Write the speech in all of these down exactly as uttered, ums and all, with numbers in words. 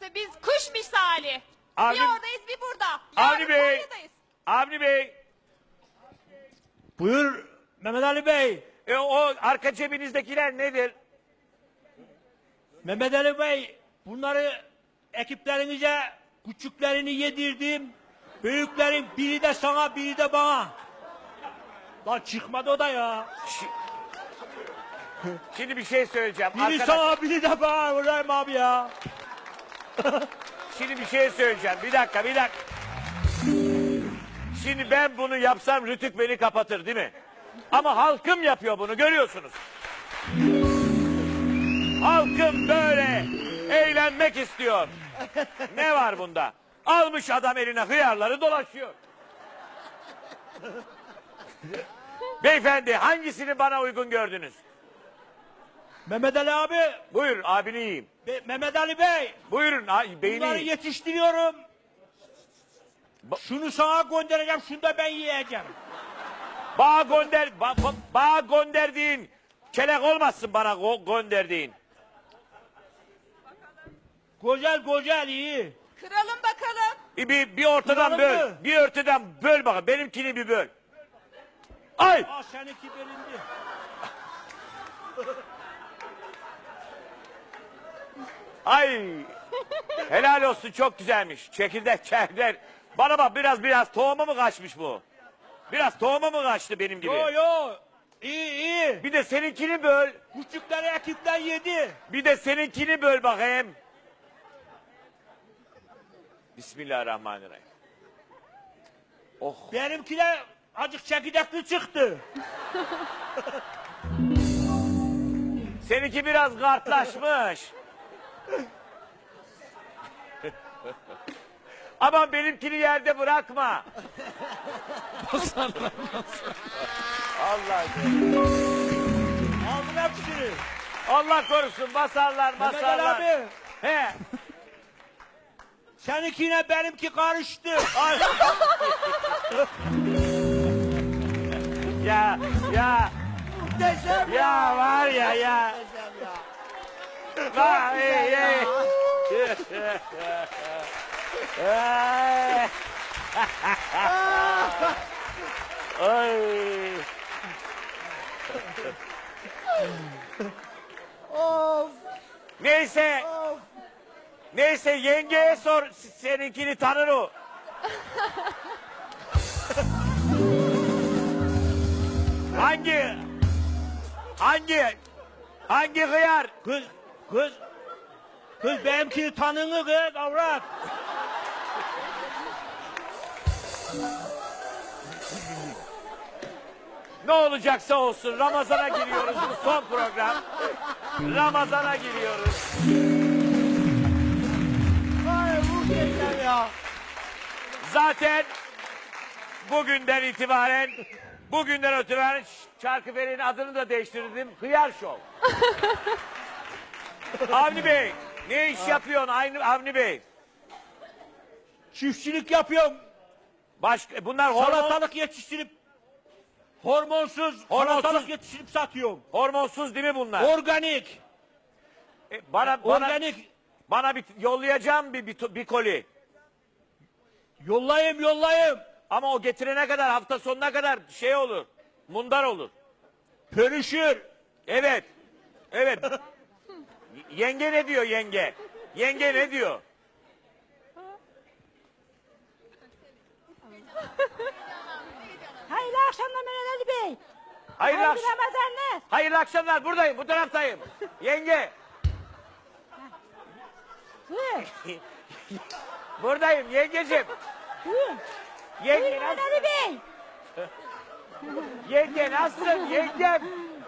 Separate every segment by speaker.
Speaker 1: burası. Biz kuş misali.
Speaker 2: Avni-
Speaker 1: Bir oradayız bir burada.
Speaker 2: Avni
Speaker 1: Yarın
Speaker 2: Bey.
Speaker 1: Konya'dayız.
Speaker 2: Avni Bey.
Speaker 3: Buyur Mehmet Ali Bey.
Speaker 2: E, o arka cebinizdekiler nedir?
Speaker 3: Mehmet Ali Bey, bunları ekiplerinize küçüklerini yedirdim. Büyüklerin biri de sana, biri de bana. Lan çıkmadı o da ya.
Speaker 2: Şi- Şimdi bir şey söyleyeceğim.
Speaker 3: Biri
Speaker 2: Arkadaş,
Speaker 3: sana, biri de bana. Ulan abi ya.
Speaker 2: şimdi bir şey söyleyeceğim. Bir dakika, bir dakika. Şimdi ben bunu yapsam Rütük beni kapatır değil mi? Ama halkım yapıyor bunu, görüyorsunuz. Halkım böyle eğlenmek istiyor. Ne var bunda? Almış adam eline hıyarları dolaşıyor. Beyefendi, hangisini bana uygun gördünüz?
Speaker 3: Mehmet Ali abi,
Speaker 2: Buyurun, abini yiyeyim.
Speaker 3: Be- Mehmet Ali Bey.
Speaker 2: Buyurun, a- beyni
Speaker 3: Bunları
Speaker 2: yiyin.
Speaker 3: yetiştiriyorum.
Speaker 2: Ba-
Speaker 3: Şunu sana göndereceğim, şunu da ben yiyeceğim.
Speaker 2: Bağ gönder, ba- ba- bağ gönderdiğin kelek olmasın bana go- gönderdiğin.
Speaker 3: Güzel güzel iyi.
Speaker 1: Kıralım bakalım.
Speaker 2: Bir, bir, bir ortadan
Speaker 3: Kıralım
Speaker 2: böl.
Speaker 3: mı?
Speaker 2: Bir ortadan böl bakalım. Benimkini bir böl. Ay!
Speaker 3: Aa seninki belindi.
Speaker 2: Ay! Helal olsun, çok güzelmiş. Çekirdek çekirdek. Bana bak, biraz biraz tohumu mu kaçmış bu? Biraz tohumu mu kaçtı benim gibi?
Speaker 3: Yo yo. İyi iyi.
Speaker 2: Bir de seninkini böl.
Speaker 3: Küçükleri ekipten yedi.
Speaker 2: Bir de seninkini böl bakayım. Bismillahirrahmanirrahim. Oh.
Speaker 3: Benimkiler azıcık çekirdekli çıktı.
Speaker 2: Seninki biraz kartlaşmış. Aman benimkini yerde bırakma. Allah
Speaker 3: Aldın hepsini.
Speaker 2: Allah korusun, basarlar
Speaker 3: Mehmet Ali
Speaker 2: basarlar.
Speaker 3: abi.
Speaker 2: He.
Speaker 3: Seninkiyle benimki karıştı.
Speaker 2: Ay. ya ya
Speaker 3: Muhteşem
Speaker 2: ya var ya ya. Vay, ey, ey. Ay. Ay.
Speaker 3: Of
Speaker 2: Neyse.
Speaker 3: of.
Speaker 2: Neyse, yengeye sor, seninkini tanır o. hangi hangi hangi hıyar?
Speaker 3: Kız kız. Kız benimkini tanını kız avrat.
Speaker 2: Ne olacaksa olsun, Ramazan'a giriyoruz, bu son program. Ramazan'a giriyoruz.
Speaker 3: Ay muhteşem ya.
Speaker 2: Zaten bugünden itibaren bugünden itibaren Çarkıferi'nin adını da değiştirdim. Hıyar Show. Avni Bey, ne iş yapıyorsun Aynı Avni Bey?
Speaker 3: Çiftçilik yapıyorum.
Speaker 2: Başka bunlar hormon,
Speaker 3: Salatalık yetiştirip hormonsuz,
Speaker 2: Hormonsuz.
Speaker 3: salatalık yetiştirip satıyorum.
Speaker 2: hormonsuz değil mi bunlar?
Speaker 3: Organik.
Speaker 2: E, bana bana
Speaker 3: Organik.
Speaker 2: bana bir yollayacağım bir, bir bir koli.
Speaker 3: Yollayayım yollayayım.
Speaker 2: Ama o getirene kadar, hafta sonuna kadar şey olur. Mundar olur.
Speaker 3: Pörüşür.
Speaker 2: Evet. Evet. Y- Yenge ne diyor yenge? Yenge ne diyor?
Speaker 4: Hayırlı akşamlar Mehmet Ali Bey.
Speaker 2: Hayırlı,
Speaker 4: Hayırlı
Speaker 2: akş-
Speaker 4: Ramazanlar.
Speaker 2: hayırlı akşamlar, buradayım, bu taraftayım. Yenge.
Speaker 4: Buyur.
Speaker 2: Buradayım yengeciğim.
Speaker 4: Buyur.
Speaker 2: Yenge
Speaker 4: Buyur Mehmet
Speaker 2: nasıl?
Speaker 4: Ali Bey.
Speaker 2: Yenge nasılsın yengem?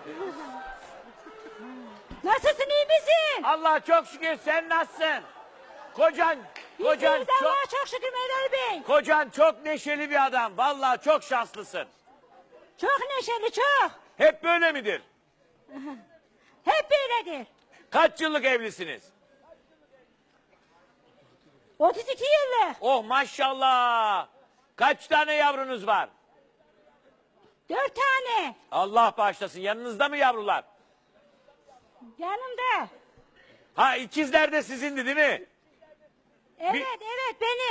Speaker 4: Nasılsın iyi misin?
Speaker 2: Allah çok şükür, sen nasılsın? Kocan, kocan
Speaker 4: İyiyiz
Speaker 2: çok,
Speaker 4: Allah'a çok şükür Mehmet Ali Bey.
Speaker 2: kocan çok neşeli bir adam. Vallahi çok şanslısın.
Speaker 4: Çok neşeli çok.
Speaker 2: Hep böyle midir?
Speaker 4: Hep böyledir.
Speaker 2: Kaç yıllık evlisiniz?
Speaker 4: otuz iki yıllık.
Speaker 2: Oh maşallah. Kaç tane yavrunuz var?
Speaker 4: Dört tane.
Speaker 2: Allah bağışlasın. Yanınızda mı yavrular?
Speaker 4: Yanımda.
Speaker 2: Ha, ikizler de sizindi değil mi?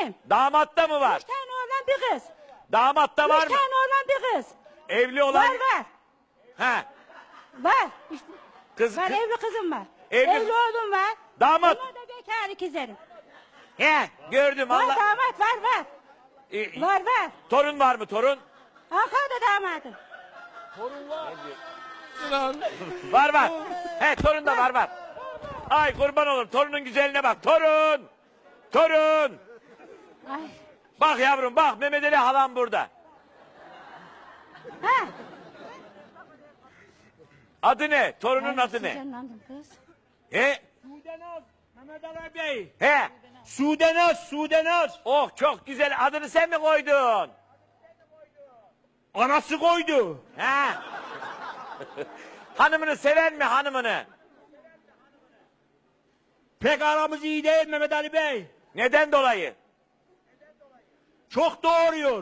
Speaker 4: benim.
Speaker 2: Damatta mı var?
Speaker 4: Üç tane oğlan bir kız.
Speaker 2: Damatta var
Speaker 4: Üç
Speaker 2: mı?
Speaker 4: tane oğlan bir kız.
Speaker 2: Evli olan?
Speaker 4: Var var.
Speaker 2: He.
Speaker 4: Var. İşte,
Speaker 2: Kız,
Speaker 4: var
Speaker 2: kız-
Speaker 4: evli kızım var.
Speaker 2: Evli-
Speaker 4: Evli oğlum var.
Speaker 2: Damat.
Speaker 4: Onlar da bekar ikizlerim.
Speaker 2: He, gördüm
Speaker 4: Var
Speaker 2: Allah.
Speaker 4: damat var var.
Speaker 2: Ee,
Speaker 4: Var var.
Speaker 2: torun var mı torun?
Speaker 4: Ankara'da damadım.
Speaker 2: Var var. He torun da var var. Ay kurban olurum torunun güzelliğine bak. Torun. Torun.
Speaker 4: Ay.
Speaker 2: Bak yavrum bak Mehmet Ali halam burada.
Speaker 4: Ha.
Speaker 2: Adı ne? Torunun
Speaker 4: Ay,
Speaker 2: adı ne?
Speaker 4: heyecanlandım kız.
Speaker 2: He?
Speaker 3: Sudenaz, Mehmet Ali Bey.
Speaker 2: He.
Speaker 3: Sudenaz, Sudenaz.
Speaker 2: Oh çok güzel. Adını sen mi koydun?
Speaker 3: Anası koydu.
Speaker 2: He. Hanımını sever mi hanımını?
Speaker 3: Pek aramız iyi değil Mehmet Ali Bey.
Speaker 2: Neden dolayı?
Speaker 3: Çok doğuruyor.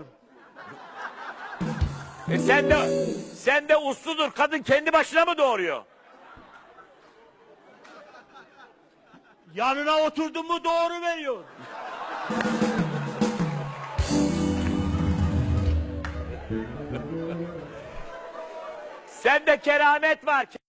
Speaker 2: E sen de sen de usludur. Kadın kendi başına mı doğuruyor?
Speaker 3: Yanına oturdun mu doğru veriyor.
Speaker 2: Sende keramet var.